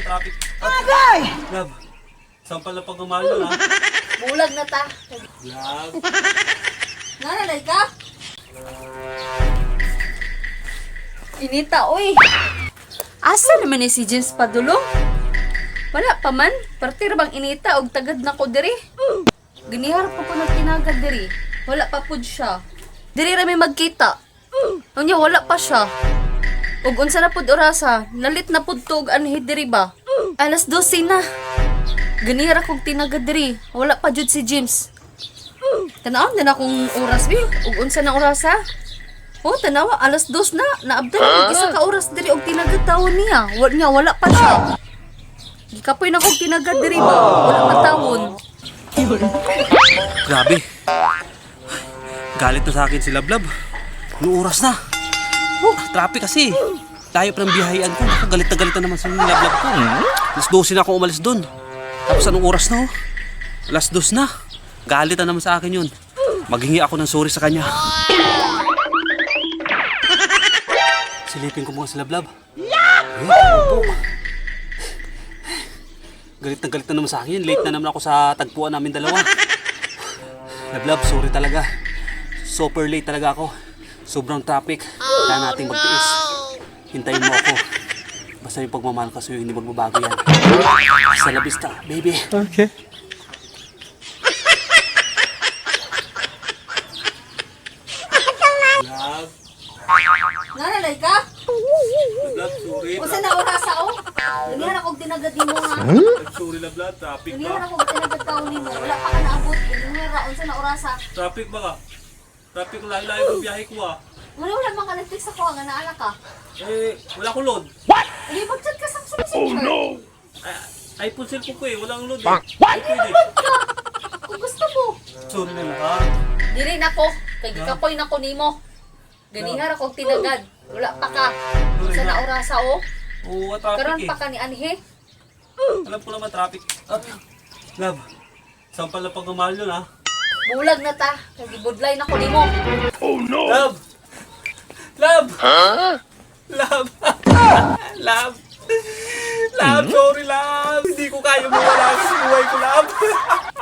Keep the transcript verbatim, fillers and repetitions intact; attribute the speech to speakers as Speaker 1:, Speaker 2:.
Speaker 1: matraffic.
Speaker 2: Agay!
Speaker 1: Love, sampal na pagmamahal yun ha.
Speaker 3: Bulag na ta.
Speaker 1: Love.
Speaker 3: Nananay ka? Inita, oy. Asa naman ni si James padulong? Wala pa man. Partir bang inita og tagad na ko diri. Ginihar pa ko nagtinagad diri. Wala pa pud siya. Diri ra may magkita. Unya wala pa siya. Ug unsa na pud orasa? Nalit na pud tug anhi diri ba? Alas dose na. Ginihar akong tinagad diri. Wala pa jud si James. Tanaw na akong oras bi. Ug unsa na orasa? Oh, tanawa, alas dos na. Naabdan ako isa ka oras diri og tinagad taon niya. Wala niya, wala pa siya. Gikapoy na kong tinagad diri ba? Wala pa taon.
Speaker 1: Grabe. Galit na sa akin si Lablab. Anong oras na? Oh, traffic kasi. Tayo pa ng biyahean ko. Ako, galit na galit na naman sa Lablab ko. Alas dose na ako umalis doon. Tapos anong oras na oh? Alas dos na. Galit na naman sa akin yun. Maghingi ako ng sorry sa kanya. Silipin ko mga si Lablab. Yahoo! Galit na galit na naman sa akin. Late na naman ako sa tagpuan namin dalawa. Lablab, sorry talaga. Super late talaga ako. Sobrang traffic. Kaya nating magtiis. Hintayin mo ako. Basta yung pagmamahal ko sa'yo, hindi magbabago yan. Hasta la vista, baby.
Speaker 2: Okay.
Speaker 1: Love,
Speaker 3: Nananay ka?
Speaker 1: Love, sorry.
Speaker 3: Unsa na orasa o? Ginihar ako og tinagad nimo nga.
Speaker 1: Sorry, Love, traffic
Speaker 3: Ginihar ako og tinagad taon nimo. Wala pa ka naabot. Ginihar ra unsa na orasa?
Speaker 1: Traffic ba ka? Traffic layo-layo ng biyahe ko ah.
Speaker 3: Wala wala mga Netflix ako nga naala ka.
Speaker 1: Eh, wala akong load.
Speaker 3: Hindi mag-chat ka sa messenger. Oh no.
Speaker 1: Ay, iPhone cellphone ko eh, walang load eh. Ay, pwede.
Speaker 3: Kung gusto mo.
Speaker 1: Sorry na ka.
Speaker 3: Dili na ko. Kay gikapoy na ko nimo. Ganihar ako og tinagad. Wala pa ka. Unsa na orasa o?
Speaker 1: Oo, traffic
Speaker 3: Karon
Speaker 1: eh.
Speaker 3: pa ka ni Anhe.
Speaker 1: Alam ko naman traffic. Ah, Love, sampal na pagmamahal yun ah.
Speaker 3: Bulag na ta. Kay gibudlay na ko nimo.
Speaker 1: Love! Love! Love! Love! Love, sorry love! Hindi ko kaya mawala sa buhay ko, love!